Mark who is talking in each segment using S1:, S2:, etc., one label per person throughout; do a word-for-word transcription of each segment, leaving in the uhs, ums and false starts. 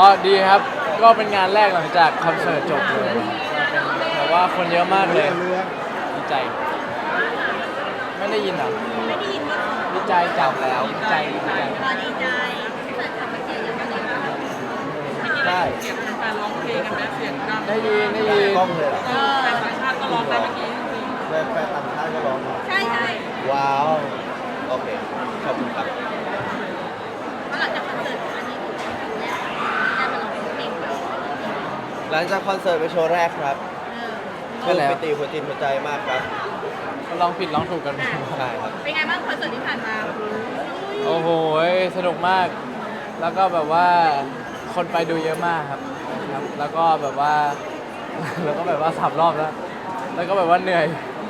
S1: ดีครับก็เป็นงานแรกหลังจากคอนเสิร์ตจบเลยเป็นแต่ว่าคนเยอะมากเลยดีใจไม่ได้ยินเหรอ
S2: ไม่ได้ยินว่า
S1: ดีใจจับแล้วดีใจดีใจ
S2: ขอดีใจเกิดทำมาเสียงอย่างนี้บ้าง
S1: ได้
S3: เสียงแฟนร้องเพลงกันไหมเสียงดัง
S1: ได้ยินได้ยิน
S4: กล้องเลยเหรอ
S2: เออ
S3: แฟนต่างชาติก็ร้องได้เมื่อกี้จริง
S4: แฟนแฟนต่างชาติก็ร้องเหรอ
S2: ใช่ใช่
S4: ว้าว โอเค ขอบคุณครับ
S2: เพราะหลังจากคอนเสิร์ตอันนี้คือครั้งแรกได้มาลองเพลงแบบ
S4: หลังจากคอนเสิร์ตเป็นโชว์แรกครับ
S2: เออ
S4: ปลื้มปิติหัวจิตหัวใจมากครับ
S1: ลองผิดลองถูกกัน
S4: ใช่ครับ
S2: เป็นไงบ้างคอนเสิร์ตที่ผ่านมา
S1: โอ้โหสนุกมาก แล้วก็แบบว่าคนไปดูเยอะมากครับครับ แล้วก็แบบว่า แล้วก็แบบว่าสามรอบแล้ว แล้วก็แบบว่าเหนื่อย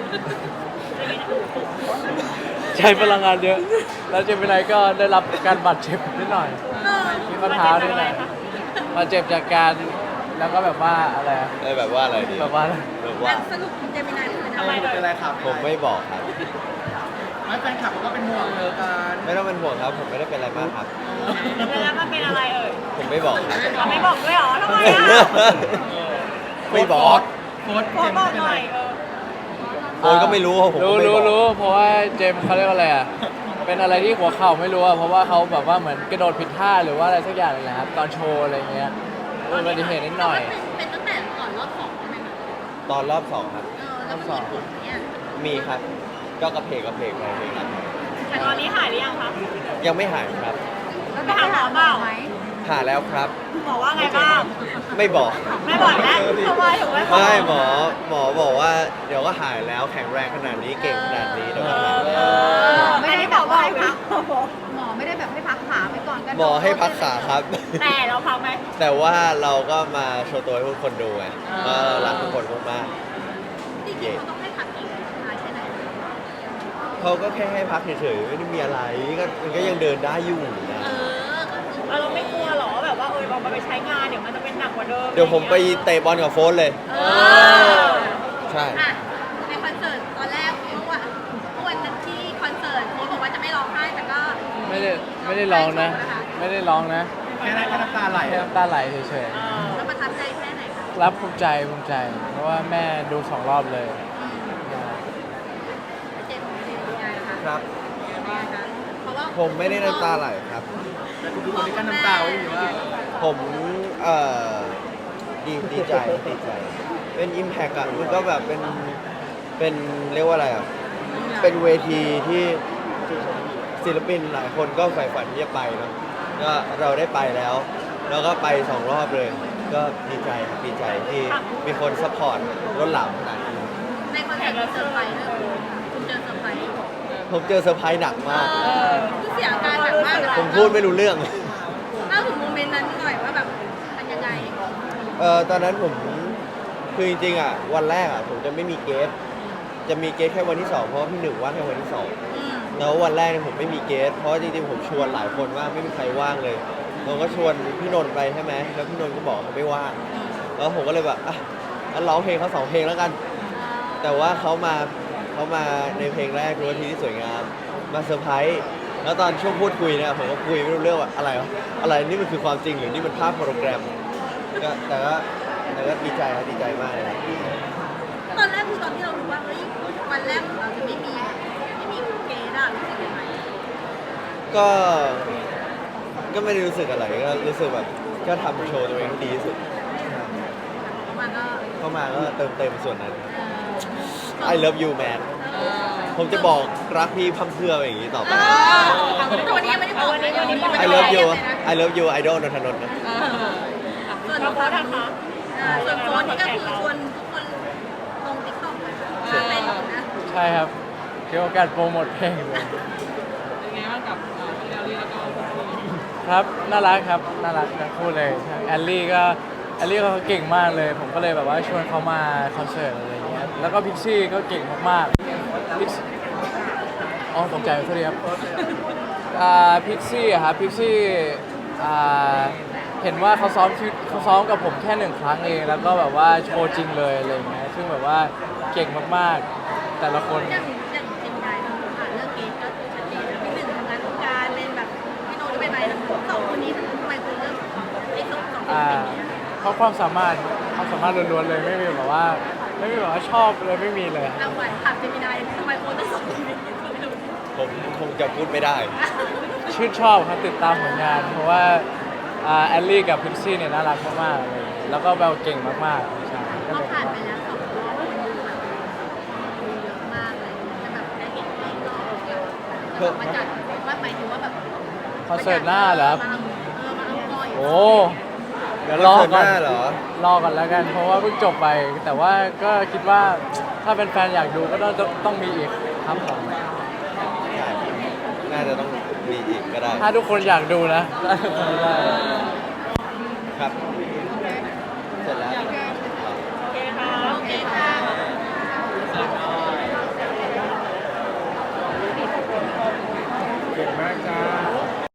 S1: ใช้พลังงานเยอะ แล้วเจมินายก็ได้รับการบาดเจ็บนิดหน่อย
S2: เออ
S1: มีข้อเท้าด้วยนะบาดเจ็บจากการแล้วก็แบบว่าอะไรอะ
S4: เอ้ยแบบว่าอะไรดี
S1: แบบว่า
S4: แบบว่า
S2: สรุปเจมินายคือ
S3: ทำไมเป็นไรครับ
S4: ผมไม่บอกครับ
S3: ไม่แฟนคลับก็เป็นห่วงเออกัน
S4: ไม่ต้องเป็นห่วงครับ ผมไม่ได้เป็นอะไรมากครับ
S2: แล้วมันเป็นอะไรเอ่ย
S4: ผมไม่บอกครับ
S2: เราไม่บอกด้วยเหรอทำไมอ่ะ
S4: ไม่บอก
S3: โค้ด
S2: ขอ
S3: เจม
S2: บอ
S3: ส์
S2: ก
S3: เป็น
S2: ห
S3: ไร
S2: น่อยเออ
S4: โอนก็ไม่รู้ผมก็
S1: รู้
S4: ไม่บ
S1: รู้
S4: อก
S1: รู้เพราะว่าเจมส์เขาเรียกว่าอะไรอ่ะ เป็นอะไรที่หัวเข่าไม่รู้อ่ะ เพราะว่าเขาแบบว่าเหมือนกระโดดผิดท่าหรือว่าอะไรสักอย่างเลยแหละครับ ตอนโชว์อะไรเงี้ยอุบัติเหตุนิดหน่อย
S2: เป็นตั้งแต่ก่อนรอบสองใช่ไหมคะ
S4: ตอนรอบสองครับ
S2: เออแล้วมันมีผลเนี่ย
S4: มีครับ ก็กระเพกกระเพกไปเพลงนั้น
S2: แต่ตอนนี้หายหรือยังคะ
S4: ยังไม่หายครับ
S2: แล้วไปหาหมอเปล่าไหม
S4: หายแล้วครับ
S2: หมอว่าไงบ้าง
S4: ไม่บอก
S2: ไม่บอกแล้วทำไมถึงไม่บอก
S4: ไม่หมอหมอบอกว่าเดี๋ยวก็หายแล้วแข็งแรงขนาดนี้เก่งขนาดนี้เดี๋ยวก็หาย
S2: เออไม่ได้บอกว่าให้พักหมอไม่ได้แบบให้พักขาไปก่อนกัน
S4: หมอให้พักขาครับ
S2: แต่เราพักไหม
S4: แต่ว่าเราก็มาโชว์ตัวให้ทุกคนดูไงว่ารักทุกคนมาก
S2: จริงๆเขาต้องให้พักอีกนานแค่ไหน
S4: ๆเขาก็แค่ให้พักเฉยๆไม่ได้มีอะไรก็มันก็ยังเดินได้อยู่นะ
S2: เออก็คือเราไม่กลัวหรอแบบว่าเออเราไปใช้งานเดี๋ยวมันจะเป็นหนักกว่าเดิม
S4: เดี๋ยวผมไปเตะบอลกับโฟนเลย
S2: เออ
S4: ใช่
S2: อ่ะในคอนเสิร์ตตอนแรกเมื่อวันเมื่อวันที่คอนเสิร์ตโค้ชบอกว่าจะไม่ร้องไห้แต่ก็
S1: ไม่ได้ไม่ได้ร้องนะ ไม่ได้ร้องนะ
S3: แค่นั้นก็น้ำตาไหล
S1: แค่น้ำตาไหลเฉย
S2: แล้วประทับใจแค่ไหนคะ
S1: ๆ รับภูมิใจภูมิใจ เพราะว่าแม่ดูสองรอบเลย
S2: เจนเป็นยังไงคะ
S4: ครับ
S2: เพราะว่า
S4: ผมไม่ได้น้ำตาไหลครับ
S3: แต่คุณดูคนนี้ก็น้ำตาไว้อยู่ว่า
S4: ผมเอ่อดีดีใจดีใจ เป็นอิมแพกอะมันก็แบบเป็นเป็นเรียกว่าอะไรอะเป็นเวทีที่ศิลปินหลายคนก็ใฝ่ฝันที่จะไปเนาะก็เราได้ไปแล้ว แล้วก็ไปสองรอบเลย ก็ดีใจครับดีใจที่มีคนซัพพอร์ตรถหลังขนาดนี้
S2: ในคอนเสิร์ตเราเซอร์ไพรส์เลยคุณเจอเซอร์ไพรส์
S4: ผมเจอเซอร์ไพรส์หนักมาก
S2: คือเสียอาการหนักมากเลย
S4: ผมพูดไม่รู้เรื่อง
S2: เล่าถึงโมเมนต์นั้นหน่อยว่าแบบมันยังไง
S4: เอ่อตอนนั้นผมคือจริงๆอ่ะวันแรกอ่ะผมจะไม่มีเกสจะมีเกสแค่วันที่สองเพราะว่าพี่หนึ่งว่างแค่วันที่สอง
S2: อืม
S4: แล้ววันแรกเนี่ยผมไม่มีเกสเพราะว่าจริงๆผมชวนหลายคนว่างไม่มีใครว่างเลยผมก็ชวนพี่นนท์ไปใช่ไหมแล้วพี่นนท์ก็บอกเขาไม่ว่างแล้วผมก็เลยแบบอ่ะงั้นร้องเพลงเขาสองเพลงแล้วกัน แต่ว่าเขามาเขามาในเพลงแรกรู้ว่าทีที่สวยงามมาเซอร์ไพรส์แล้วตอนช่วงพูดคุยเนี่ยผมก็คุยไม่รู้เรื่องว่าอะไรวะอะไรนี่มันคือความจริงหรือนี่มันภาพโปรแกรมก็แต่ก็แต่ก็ดีใจครับดีใจมากเลยครับ
S2: ตอนแรกคือตอนที่เรารู้ว่าเฮ้ยวันแรกของเราจะไม่มีไม่มีเกย์อะรู้สึกยังไง
S4: ก็ก็ไม่ได้รู้สึกอะไรก็รู้สึกแบบก็ทำโชว์ตัวเองให้ดีที่สุด
S2: มันก็
S4: เข้ามาก็เติมเต็มส่วนนั้น
S2: เออ
S4: I love you man ผมจะบอกรักพี่พัมเพรื่ออย่างนี้ต่อไป
S2: เออวันนี้ยังไม่ได้บอกวันนี้วันนี้
S4: I love you I love you I don't นนทนนท์นะ
S2: ส่วนโค้ดนะคะส่วนโค้ดนี่ก็คือชวนทุกคนลงติ๊กต็อกเลยเป็นนะ
S1: ใช่ครับถือโอกาสโปรโมทเพลงเลย
S3: เป็นไงบ้างกับเอ่อพี่แอลลี่แล้วก็คุณครู
S1: ครับ น่ารักครับ น่ารักทั้งคู่เลยทั้งแอลลี่ก็แอลลี่เขาเก่งมากเลย ผมก็เลยแบบว่าชวนเขามาคอนเสิร์ตอะไรอย่างเงี้ย แล้วก็พิกซี่ก็เก่งมากๆพิกอ๋อตกใจโทษทีครับอ่าพิกซี่อะครับพิกซี่อ่าเห็นว่าเขาซ้อมชุดเขาซ้อมกับผมแค่หนึ่งครั้งเอง แล้วก็แบบว่าโชว์จริงเลยอะไรอย่างเงี้ย ซึ่งแบบว่าเก่งมากๆ แต่ละคน
S2: อย่างอย่างจริงใจเราผ่านเรื่องเกย์ก็คือชัดเจนนะพี่หนึ่งทำงานวงการเป็นแบบพี่โน้ตก็ไปไปแล้วสองคนนี้ทำไมคุณเลือกไอ้สองสอง
S1: อ่าเพราะความสามารถความสามารถล้วนๆเลยไม่มีแบบว่าไม่มีแบบว่าชอบเลยไม่มีเลย
S2: เอาไว้ถามเจมินายทำไมโค้ชต้องสอนชีวิต
S4: ผมคงจะพูดไม่ได้
S1: ชื่นชอบครับติดตามผลงาน เพราะว่าอ่าแอลลี่กับพิกซี่เนี่ยน่ารักมากๆเลยแล้วก็เบลเก่งมากๆใช่ก็
S2: เรา
S1: เลย
S2: ผ่านไปแล้วสองรอบคนดูแบบดูเยอะมากเลยจะแบบได้เห็นรอบรอบเดียวจะมาจัดว่าหมายถึงว่าแบบ
S1: คอนเสิร์ตหน้าเหรอครับ
S2: เออมาเอาก่อย
S1: โอ้เดี๋ยวรอ
S4: คอนเสิร์ต
S1: ก่อน
S4: หน้าเหรอ
S1: รอก่อนแล้วกัน เพราะว่าเพิ่งจบไป แต่ว่าก็คิดว่าถ้าเป็นแฟนอยากดูก็ต้องต้องมีอีกครับผม
S4: ใช่ น่าจะต้องมีอีกก็ได้
S1: ถ้าทุกคนอยากดูนะ ได้
S4: ครับ